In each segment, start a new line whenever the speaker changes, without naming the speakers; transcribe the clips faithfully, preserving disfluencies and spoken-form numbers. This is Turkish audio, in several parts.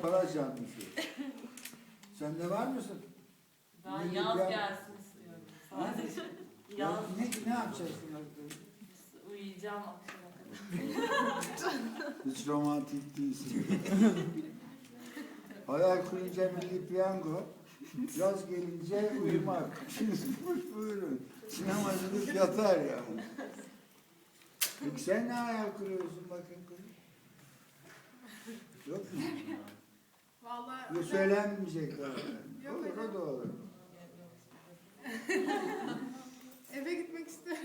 kara canlısı. Sen de var mısın?
Ben
Milli
yaz
piyango-
gelsin istiyorum. Sadece
Ya,
yaz.
ne, ne yapacaksın?
Uyuyacağım akşama kadar.
Hiç romantik değilsin. Hayal kurunca milli piyango, yaz gelince uyumak. Buyurun. Sinemacılık yatar yani. Peki sen ne hayal kuruyorsun bakayım kızım? Yok mu?
Vallahi
Yok söylenmeyecek galiba.
Yok
Olur
hocam.
o da olur.
eve gitmek istiyorum.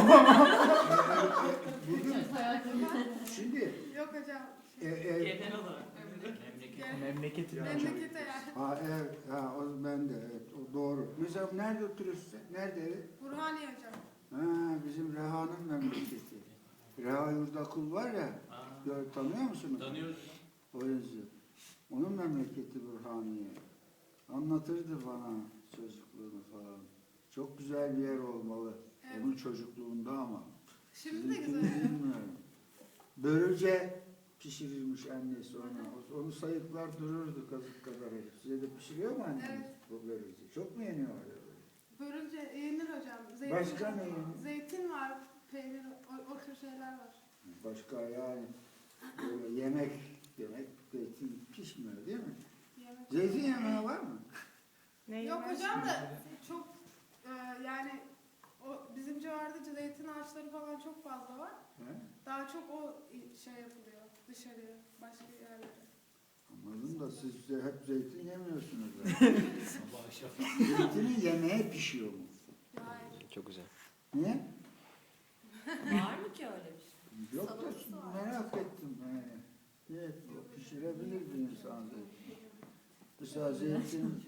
Bugün, şimdi
Yok hocam.
e, e,
Genel olarak.
Gel.
Memleketin
Memlekete yani.
ha, evet, ha, o ben de, evet, o doğru. Mesela nerede oturuyorsun sen? Nerede evi?
Burhaniye hocam.
Ha, bizim Reha'nın memleketi. Reha Yurdakul var ya, gör, tanıyor musunuz?
Tanıyoruz.
O yazıyor. Onun memleketi Burhaniye. Anlatırdı bana çocukluğunu falan. Çok güzel bir yer olmalı.
Evet.
Onun çocukluğunda ama.
Şimdi de
Sizinkini
güzel.
bilmiyorum. Börülce pişirirmiş annesi ona. Onu sayıklar dururdu kazık kadar. Size de pişiriyor mu anneniz
Evet.
bu börülce? Çok mu yeniyor öyle böyle?
Börülce yenir hocam. Zeytin,
Başka ne yenir?
Zeytin var, peynir, o, o tür şeyler var.
Başka yani böyle yemek, yemek zeytin pişmiyor değil mi?
Yemek.
Zeytin yemeği var mı?
Yok hocam da çok e, yani o bizim civarda zeytin ağaçları falan çok fazla var.
He?
Daha çok o şey yapılıyor dışarıya, başka yerlere.
Anladım da siz de hep zeytin yemiyorsunuz.
Sabah akşam.
Zeytinin yemeğe pişiyor mu?
Hayır.
Çok güzel.
Niye?
Var mı ki öyle bir şey?
Yok da merak ettim. Yani. Niye pişirebilir bir insan zeytin? Mesela zeytin,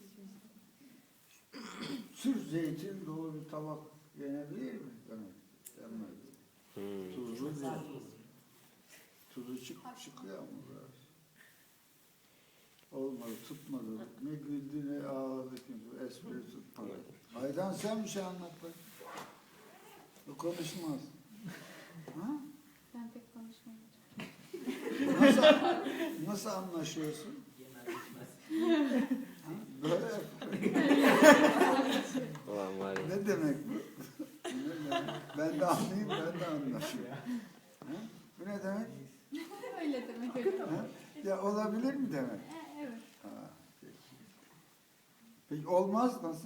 sırf zeytin dolu bir tabak yenebilir mi? Evet, yenmez.
Hmm.
Tuzlu zeytin. Tuzu çık, çıkıyor mu biraz? Olmadı, tutmadı. Ne güldü ne ağladı kimse. Espri tutmadı. Aydan sen bir şey anlat bak. O konuşmaz. Ha?
Ben pek konuşmam hocam.
Nasıl, nasıl anlaşıyorsun? Ha? Böyle yap.
Ulan var ya.
Ne demek bu? Ne demek? Ben de anlayayım, ben de anlaşayım. Ha? Bu ne demek?
Öyle demek hocam.
Ha? Ya olabilir mi demek?
Evet.
Ha, peki. Peki olmaz nasıl?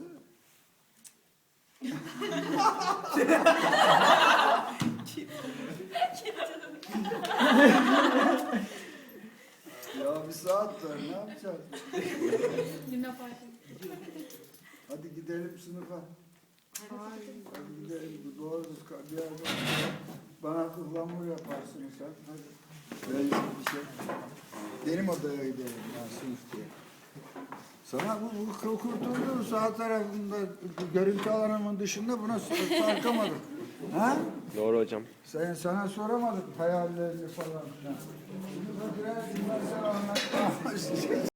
Ya bir saat var, ne yapacağız?
Luna Park'a.
Hadi gidelim sınıfa. Hadi gidelim, bu doğru bir yerde. Bana ıhlamur yaparsınız sen. Hadi. Ben bir şey. Benim odaya gidelim ya sınıf diye. Sana bu, bu kurtulduğun sağ tarafında görüntü alanımın dışında buna sarkamadım. Ha?
Doğru hocam.
Sen, sana soramadık hayallerini falan filan. Şimdi bak biraz dinlersen anlatmaya başlayacağız.